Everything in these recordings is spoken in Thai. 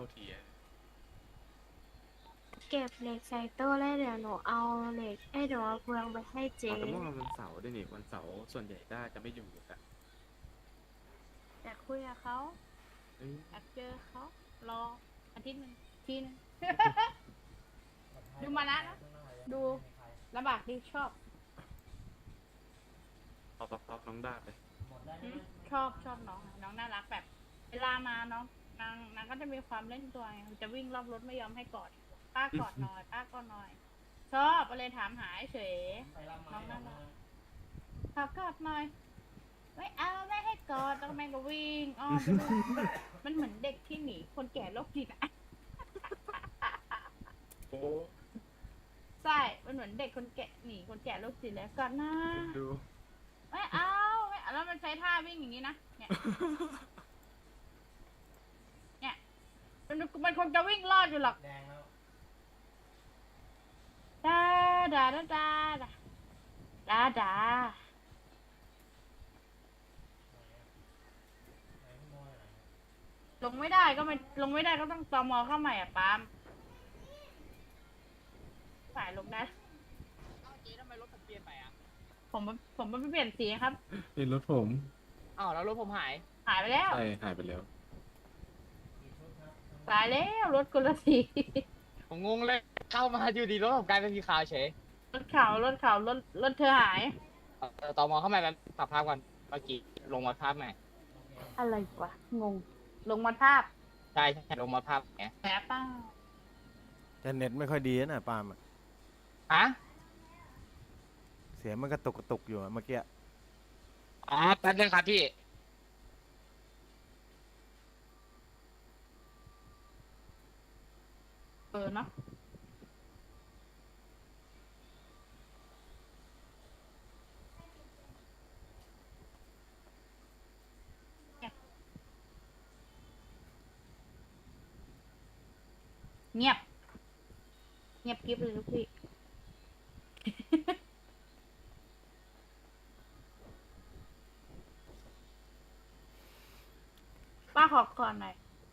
ทีอะเก็บเหล็กใส่ตู้แล้วเดี๋ยวหนูเอาเหล็กเดี๋ยวเอาเฟืองไปให้อ๋อเจ๊แต่เมื่อวานวันเสาร์ด้วยนี่วันเสาร์ส่วนใหญ่ด้าจะไม่อยู่กันอยากคุยกับเขาเอ้ยอยากเจอเขารออาทิตย์หนึ่งทีนึง ดูมานะดูลำบากดีชอบเอาน้องด้าไปอืมชอบน้องน้องน่ารักแบบเวลามาน้องนางก็จะมีความเล่นตัวไงจะวิ่งรอบรถไม่ยอมให้กอดป้ากอดหน่อยป้ากอดหน่อยชอบก็เลยถามหาเฉยน้องน่ารักขอกอดหน่อยไม่เอาไม่ให้กอดแล้วแม่งก็วิ่งอ้อมไปเลยมันเหมือนเด็กที่หนีคนแก่โรคจิตอะโอ้ใช่มันเหมือนเด็กคนแก่หนีคนแก่โรคจิตแล้วก่อนนะเอ็นดูไม่เอาไม่เอาแล้วมันใช้ท่าวิ่งอย่างนี้นะเนี่ยเนี่ยมันคงจะวิ่งรอดอยู่หรอกดาดาดาดาดาดาลงไม่ได้ก็ไม่ลงไม่ได้ก็ต้องตมเข้าใหม่อ่ะปาล์มสายลงได้เจ๊ทำไมรถผมเปลี่ยนไปอ่ะผมไม่เปลี่ยนสีครับนี่รถผมอ้าวแล้วรถผมหายหายไปแล้วใช่หายไปแล้วตายแล้วรถกุลสีผมงงเลย เข้ามาอยู่ดีรถผมกลายเป็นสีขาวเฉยรถเธอหายต่อมอเข้ามาแบบปรับภาพก่อนเมื่อกี้ลงมาภาพใหม่อะไรวะงงลงมาทาบใช่ลงมาภาพไงแผลเป้าแต่เน็ตไม่ค่อยดีนะปาล์มอะฮะเสียงมันกระตุกกระตุกอยู่อะเมื่อกี้อ๋อแป๊บนึงครับพี่เนาะเงียบเงียบกริบเลยลูกพี่ ป้าขอก่อนหน่อย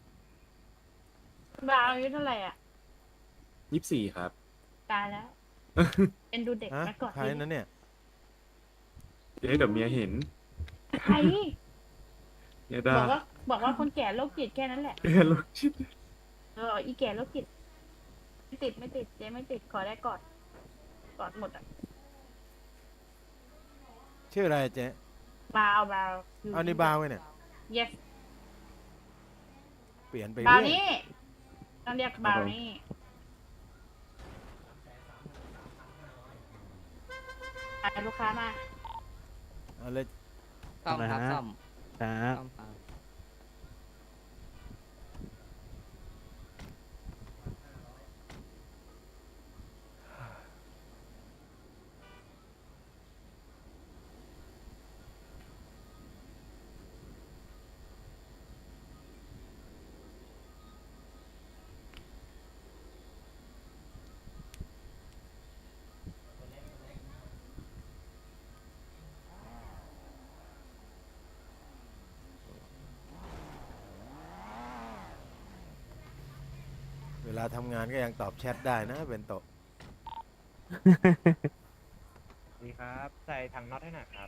บาวอายุเท่าไหร่อ่ะ 24ครับตายแล้วเป็นดูเด็กฮะมาก่อนใครนั้นเนี่ยเดี๋ยวเมียเห็นใครเมียด้าบอกว่าคนแก่โรคจิตแค่นั้นแหละเมียรถชิดอีแก่โรคจิตไม่ติดเจ๊ไม่ติดขอได้กอดหมดอ่ะชื่ออะไรเจ๊บาวเอานี่บาวไว้เนี่ย yes เปลี่ยนไปบาวเรื่อยนี่ต้องเรียกบาวนี่ลูกค้ามาเอาเลยซ่อมครับซ่อมครับซ่อมครับเวลาทำงานก็ยังตอบแชทได้นะเป็นโตะดีครับใส่ถังน็อตให้หน่อยครับ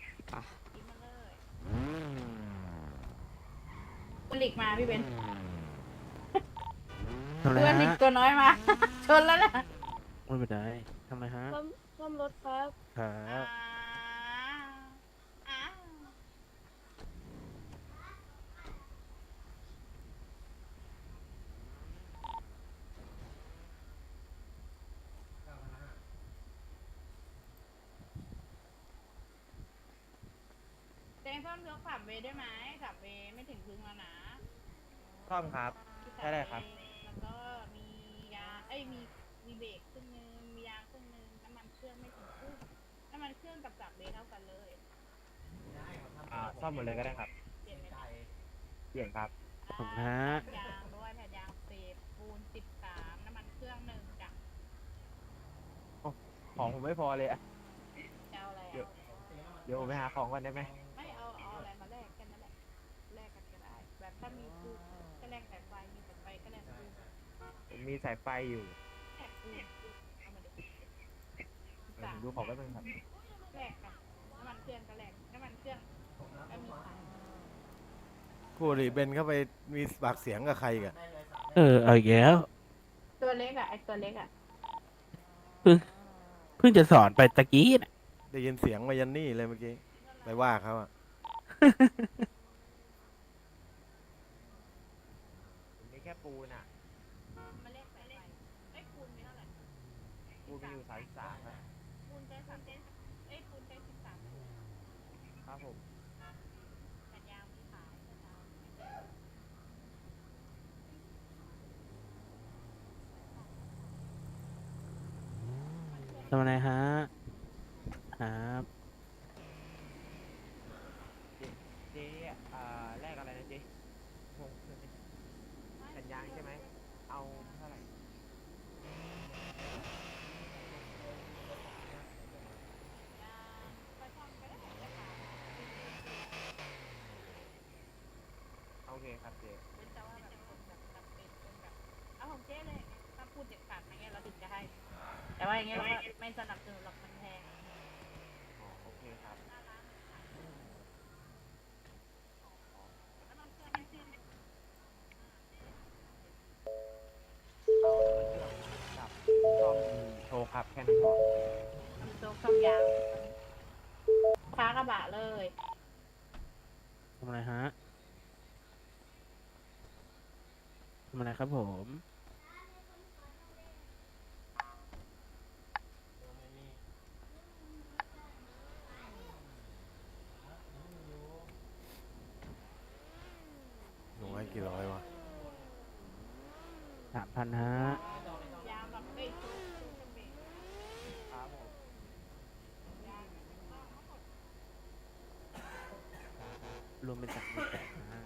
คุณหลีกมาพี่เบนทำอะไรเพื่อนหลีกฮะตัวน้อยมา ชนแล้วนะไม่เป็นไรทำอะไรฮะซ่อมรถครับครับอ่าเต้นซ่อมยก3 เวได้ไหม3 เวไม่ถึงครึ่งแล้วนะซ่อมครับ ได้เลยครับแล้วก็มียามีเบรกครึ่งนึงมียางครึ่งนึงน้ำมันเครื่องไม่ถึงครึ่งน้ำมันเครื่องกับ3 เวเท่ากันเลยซ่อมหมดเลยก็ได้ครับเปลี่ยนไหมคะเปลี่ยนครับขอบคุณฮะยางด้วยแผ่นยาง10ปูน13น้ำมันเครื่อง1จ้ะของผมไม่พอเลยอะจะเอาอะไรเดี๋ยวอ่ะเดี๋ยวผมไปหาของก่อนได้ไหมไม่เอาอะไรมาแลกกันนั่นแหละแลกกันก็ได้แบบถ้ามีปูนก็แลกแต่ไฟมีแต่ไฟก็แลกปูนผมมีสายไฟอยู่แอบดูเอามาดูผมดูของก็เป็นครับแลกกันน้ำมันเครื่องก็แลกน้ำมันเครื่องก็มีขายคู่ดิเบนเข้าไปมีปากเสียงกับใครกันเอาอีกแล้วตัวเล็กอ่ะไอตัวเล็กอ่ะเพิ่งจะสอนไปตะกี้น่ะได้ยินเสียงมายันนี่เลยเมื่อกี้ไปว่าเขาอะผมมีแค่ปูนอ่ะมาเล่นไปเล่นไอ้ยคูณไม่เท่าไหร่ปูนมีอยู่33ครับคูณใช้30เอ้ยคูณใช้13 ครับผมแต่ยาวมีขายแต่ยาวไม่ได้ทำอะไรฮะครับเจ๊แลกอะไรนะเจ๊งงสัญญาณใช่ไหมเอาเท่าไหร่โอเคครับเจ๊เป็นแต่ว่าแบบคนแบบจำเป็นเป็นแบบเอาของเจ๊เลยถ้าพูดเด็ดขาดอย่างเงี้ยเราถึงจะให้ แต่ว่าอย่างเงี้ยเราก็ไม่สนับสนุนหรอกมันแพงอ๋อโอเคครับกับซ่อมโชว์ครับแค่นั้นพอทำโต๊ะคำยาวฟ้ากระบะเลยทำอะไรฮะทำอะไรครับผมหนูให้กี่ร้อยวะ 3,000ฮะยาวแบบเอ้ยชุดจะเบรกครับผมรวมเป็น38,000ฮะ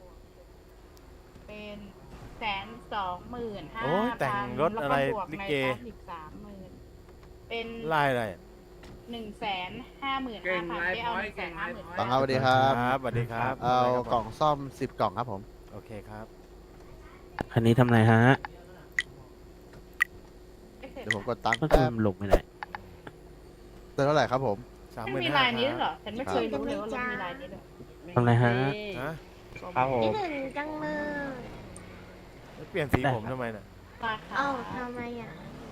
เป็น125,000 โอ้ยแต่งรถอะไรแล้วก็บวกลิในเกซอสอีก30,000เป็นไล่อะไรอะ 155,500ได้เอา150,000 บังครับสวัสดีครับครับสวัสดีครับเอาะไรครับกล่องซ่อม10 กล่องครับผมโอเคครับคันนี้ทำอะไรฮะเดี๋ยวผมกดตังค์มันแป๊บลงไปไหนเท่าไหร่ครับผมไม่มี 35,000 ลายนี้ด้วยเหรอ ฉันไม่เคยรู้เลยว่าเรามีลายนี้ด้วยทำอะไรฮะฮะครับผมคิดถึงจังเลยแล้วเปลี่ยนสีได้ผมครับทำไมน่ะราคาเอ้าทำไมอ่ะ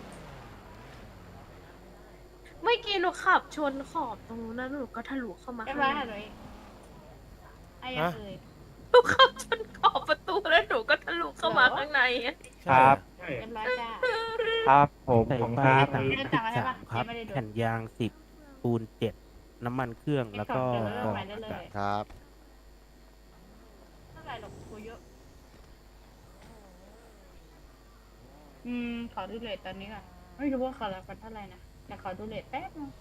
เมื่อกี้หนูขับชนขอบตรงนู้นแล้วหนูก็ทะลุเข้ามาเรียบข้างร้อยในค่ะเลยไอ้ยังเอ่ยหนูขับชนขอบประตูแล้วหนูก็ทะลุเข้ามาข้างในอะครับเรียบร้อยจ้าครับผมใส่ผมไปครับไม่ได้สั่งอะไรปะ 33ครับไม่ได้ดูแผ่นยาง 10 ปูน 7 น้ำมันเครื่อง แล้วก็เดี๋ยวเรากรองไปได้อาเลยกาศครับเท่าไหร่หรอกกูเยอะ ขอดูเรทตอนนี้ก่อนไม่รู้ว่าเขารับกันเท่าไหร่นะแต่ขอดูเรทแป๊บนึง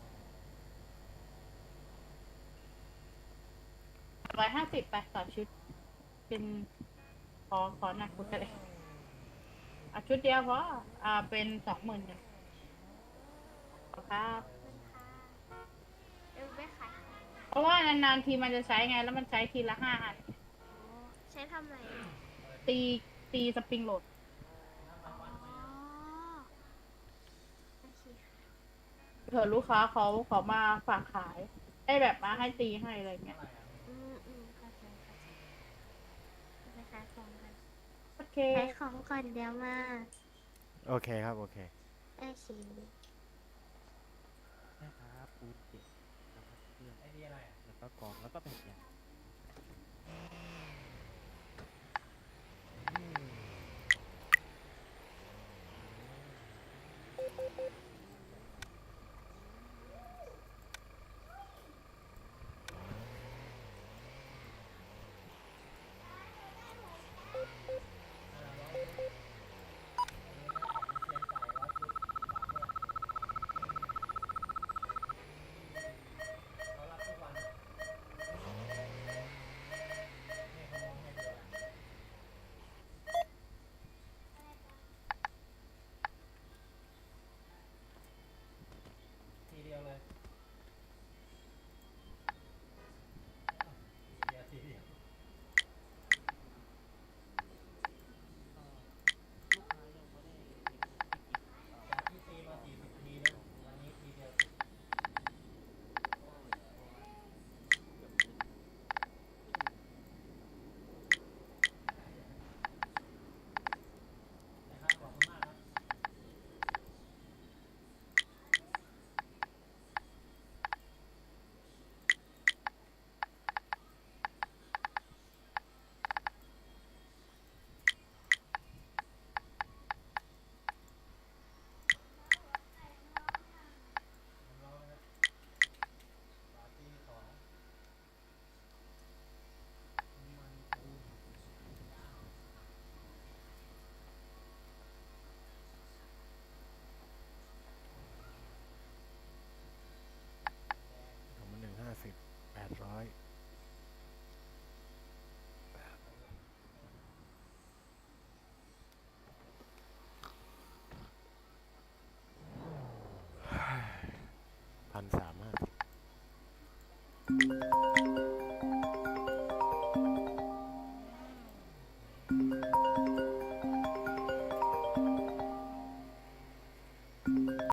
150ไปต่อชุด เป็นขอหนักกูจะเลยเอาชุดเดียวเพราะเป็น20,000ครับเดี๋ยวไปขายของเพราะว่านานๆทีมันจะใช้ไง แล้วมันใช้ทีละ5 อันใช้ทำอะไรอะตีสปริงโหลดอ๋อโอเคค่ะเผื่อลูกค้าเขามาฝากขายได้แบบมาให้ตีให้อะไรเงี้ยเข้าใจไปขายของกันโอเคขายของก่อนเดี๋ยวมาโอเคครับ โอเคโอเคนะครับปูน 7 น้ำมันเครื่องแล้วก็กรอง แล้วก็แผ่นยาง 1,350